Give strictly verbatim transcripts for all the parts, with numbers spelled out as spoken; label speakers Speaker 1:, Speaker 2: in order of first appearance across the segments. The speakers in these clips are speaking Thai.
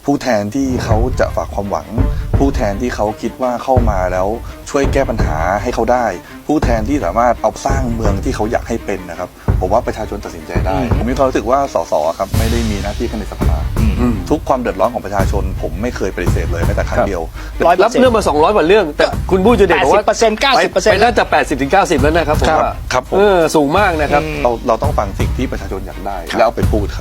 Speaker 1: ผู้แทนที่เขาจะฝากความหวังผู้แทนที่เขาคิดว่าเข้ามาแล้วช่วยแก้ปัญหาให้เขาได้ผู้แทนที่สามารถเอาสร้างเมืองที่เขาอยากให้เป็นนะครับผมว่าประชาชนตัดสินใจได้ผมมีความรู้สึกว่าสสครับไม่ได้มีหน้าที่แค่ในสภาทุกความเดือดร้อนของประชาชนผมไม่เคยปฏิเสธเลยแม้แต่ครั้งเดียว
Speaker 2: รับเรื่องมาสองร้อยกว่าเรื่องแต่คุณบู้จะเด็ดบอกว่า
Speaker 3: แปดสิบเปอร์เซ็นต์ เก้าสิบเปอร์เซ็นต์
Speaker 2: ไปน่าจะแปดสิบถึงเก้าสิบแล้วนะครับผมว่า
Speaker 1: ครับผม
Speaker 2: สูงมากนะครับ
Speaker 1: เราเราต้องฟังสิ่งที่ประชาชนอยากได้แล้วเอาไปพูดครับ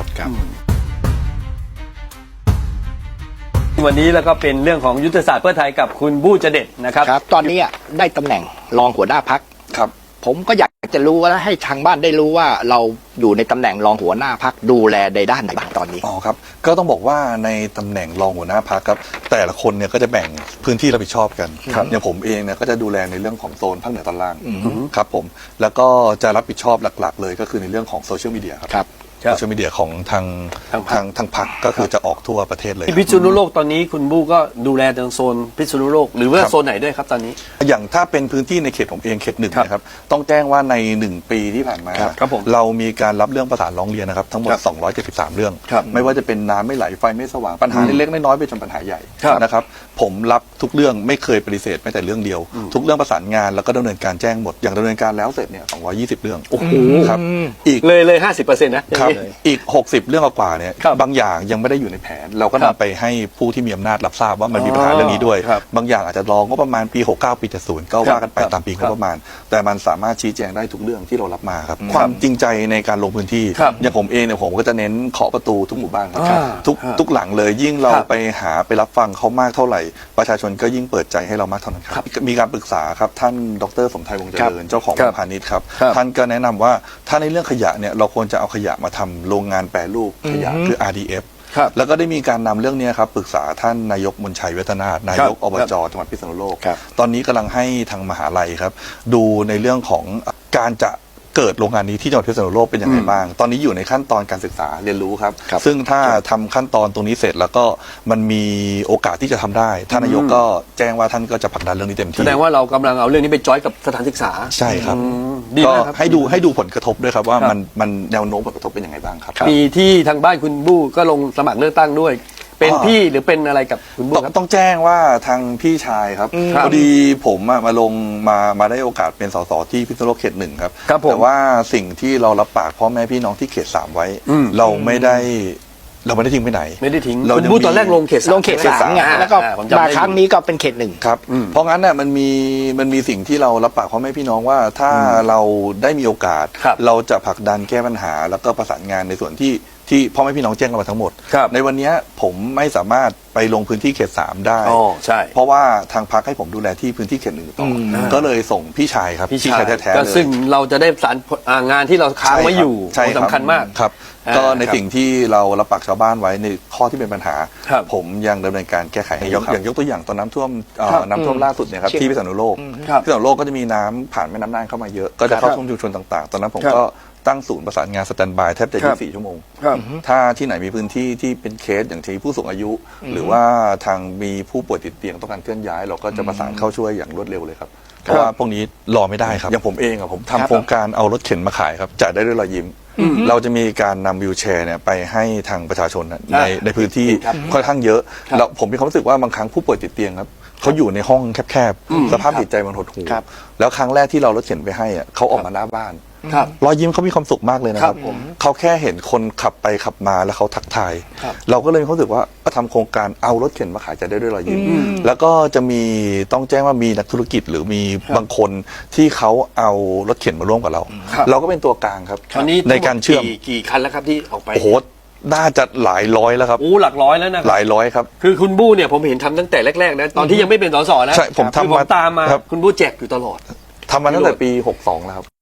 Speaker 2: วันนี้แล้วก็เป็นเรื่องของยุทธศาสตร์เพื่อไทยกับคุณบู้จะเด็ดนะครับ
Speaker 3: ครับตอนนี้ได้ตำแหน่งรองหัวหน้าพรรค
Speaker 1: ครับ
Speaker 3: ผมก็อยากจะรู้ว่าให้ทางบ้านได้รู้ว่าเราอยู่ในตำแหน่งรองหัวหน้าพรรคดูแลในด้านไหนบ้างตอนนี้
Speaker 1: อ๋อครับก็ต้องบอกว่าในตำแหน่งรองหัวหน้าพรรคครับแต่ละคนเนี่ยก็จะแบ่งพื้นที่รับผิดชอบกันอย่างผมเองเนี่ยก็จะดูแลในเรื่องของโซนภาคเหนือตอนล่างครับผมแล้วก็จะรับผิดชอบหลักๆเลยก็คือในเรื่องของโซเชียลมีเดียครับโซเชียลมีเดียของทางทางทางพรรคก็คือจะออกทั่วประเทศเลย
Speaker 2: พิษณุโลกตอนนี้คุณบู้ก็ดูแลทางโซนพิษณุโลกหรือว่าโซนไหนด้วยครับตอนนี้
Speaker 1: อย่างถ้าเป็นพื้นที่ในเขตผมเองเขตหนึ่งนะครับต้องแจ้งว่าในหนึ่งปีที่ผ่านมาเรามีการรับเรื่องประสานร้องเรียนนะครับทั้งหมดสองร้อยเจ็ดสิบสามเรื่องไม่ว่าจะเป็นน้ำไม่ไหลไฟไม่สว่างปัญหาเล็กๆน้อยๆไปจนปัญหาใหญ่นะครับผมรับทุกเรื่องไม่เคยปฏิเสธแม้แต่เรื่องเดียวทุกเรื่องประสานงานแล้วก็ดำเนินการแจ้งหมดอย่างดำเนินการแล้วเสร็จเนี่ยสองร้อยยี่สิบเรื่อง
Speaker 2: โอ้โห
Speaker 1: ครับ
Speaker 2: อีกเลยเลยห้าสิบเปอร์เซ็นต์นะครับ
Speaker 1: อีกหกสิบเรื่องกว่าเนี่ยบางอย่างยังไม่ได้อยู่ในแผนเราก็นำไปให้ผู้ที่มีอำนาจรับทราบว่ามันมีปัญหาเรื่องนี้ด้วยบางอย่างอาจจะรองบประมาณปีหกสิบเก้าปีเจ็ดสิบก็ว่ากันไปตามปีงบประมาณแต่มันสามารถชี้แจงได้ทุกเรื่องที่เรารับมาครับความจริงใจในการลงพื้นที่อย่างผมเองเนี่ยผมก็จะเน้นเคาะประตูทุกหมู่บ้านครับทุกทุกหลังเลยยิ่งเราไปหาไปรับฟังเขามากเท่าไหร่ประชาชนก็ยิ่งเปิดใจให้เรามากเท่านั้นครับมีการปรึกษาครับท่านดร.สมไทยวงศ์เจริญเจ้าของพาณิชย์ครับท่านก็แนะนำว่าถ้าในเรื่องขยะเนี่ยเราควรจะเอาขยะมาทำโรงงานแปรรูปขยะคือ อาร์ ดี เอฟ แล้วก็ได้มีการนำเรื่องนี้ครับปรึกษาท่านนายกมนชัยเวทนาถนายกอบจจังหวัดพิษณุโลกตอนนี้กำลังให้ทางมหาลัยครับดูในเรื่องของการจะเกิดโรงงานนี้ที่จังหวัดพิษณุโลกเป็นยังไงบ้างตอนนี้อยู่ในขั้นตอนการศึกษาเรียนรู้ครับซึ่งถ้าทำขั้นตอนตรงนี้เสร็จแล้วก็มันมีโอกาสที่จะทำได้ท่านนายกก็แจ้งว่าท่านก็จะผลักดันเรื่องนี้เต็มที่
Speaker 2: แสดงว่าเรากำลังเอาเรื่องนี้ไปจอยกับสถานศึกษา
Speaker 1: ใช่ครับก็ให้ดูให้ดูผลกระทบด้วยครับว่ามันมันแนวโน้มผลกระทบเป็นยังไงบ้างครับ
Speaker 2: มีที่ทางบ้านคุณบู้ก็ลงสมัครเลือกตั้งด้วยเป็นพี่หรือเป็นอะไรกับคุณบู้ครับ
Speaker 1: ต้องแจ้งว่าทางพี่ชายครับพอดีผมมาลงมามาได้โอกาสเป็นสสที่พิษณุโลกเขตหนึ่งครับแต่ว่าสิ่งที่เรารับปากพ่อแม่พี่น้องที่เขตสามไว้เราไม่ได้เราไม่ได้ทิ้งไปไหน
Speaker 2: ไม่ได้ทิ้งคุณบู้ตอนแรกลงเขต
Speaker 3: ลงเขตสามไงแล้วก็มาครั้งนี้ก็เป็นเขตหนึ่ง
Speaker 1: ครับเพราะงั้นเนี่ยมันมีมันมีสิ่งที่เรารับปากพ่อแม่พี่น้องว่าถ้าเราได้มีโอกาสเราจะผลักดันแก้ปัญหาแล้วก็ประสานงานในส่วนที่ที่พ่อแม่พี่น้องแจ้งกันมาทั้งหมดในวันนี้ผมไม่สามารถไปลงพื้นที่เขตสามได้เพราะว่าทางพรรคให้ผมดูแลที่พื้นที่เขตหนึ่งต่อก็เลยส่งพี่ชายครับ
Speaker 2: พี่ชายแท้ๆเลยซึ่งเราจะได้สารงานที่เราค้างไว้อยู่สำคัญมาก
Speaker 1: ครับก็ในสิ่งที่เรารับปากชาวบ้านไว้ในข้อที่เป็นปัญหาผมยังดำเนินการแก้ไขให้อย่างยกตัวอย่างตอนน้ำท่วมน้ำท่วมล่าสุดเนี่ยครับที่พิษณุโลกพิษณุโลกก็จะมีน้ำผ่านแม่น้ำน่านเข้ามาเยอะก็จะเข้าท่วมชุมชนต่างๆตอนนั้นผมก็ตั้งศูนย์ประสานงานสแตนด์บายแทบจะยี่สิบสี่ชั่วโมงถ้าที่ไหนมีพื้นที่ที่เป็นเคสอย่างที่ผู้สูงอายุหรือว่าทางมีผู้ป่วยติดเตียงต้องการเคลื่อนย้ายเราก็จะประสานเข้าช่วยอย่างรวดเร็วเลยครับเพราะว่าพวกนี้รอไม่ได้ครับอย่างผมเองอะผมทำโครงการเอารถเข็นมาขายครับจ่ายได้ด้วยรอยยิ้มเราจะมีการนำวิวแชร์เนี่ยไปให้ทางประชาชนในในพื้นที่ค่อนข้างเยอะแล้วผมมีความรู้สึกว่าบางครั้งผู้ป่วยติดเตียงครับเขาอยู่ในห้องแคบๆสภาพจิตใจมันหดหู่แล้วครั้งแรกที่เรารถเข็นไปให้อะเขาออกมาหน้าบ้านรอยยิ้มเขามีความสุขมากเลยนะครับเขาแค่เห็นคนขับไปขับมาแล้วเขาทักทายเราก็เลยมีความรู้สึกว่าก็ทำโครงการเอารถเข็นมาขายจะได้ด้วยรอยยิ้มแล้วก็จะมีต้องแจ้งว่ามีนักธุรกิจหรือมีบางคนที่เขาเอารถเข็นมาร่วมกับเราเราก็เป็นตัวกลางครับในการเชื่อม
Speaker 2: กี่คันแล้วครับที่ออกไป
Speaker 1: โอ้โหน่าจะหลายร้อยแล้วครับ
Speaker 2: โอ้หลักร้อยแล้วนะ
Speaker 1: หลายร้อยครับ
Speaker 2: คือคุณบู้เนี่ยผมเห็นทำตั้งแต่แรกๆนะตอนที่ยังไม่เป็นสสนะ
Speaker 1: ใช่ผมทำมา
Speaker 2: ตามมาคุณบู้แจกอยู่ตลอด
Speaker 1: ทำมาตั้งแต่ปีหกสองแล้วครับ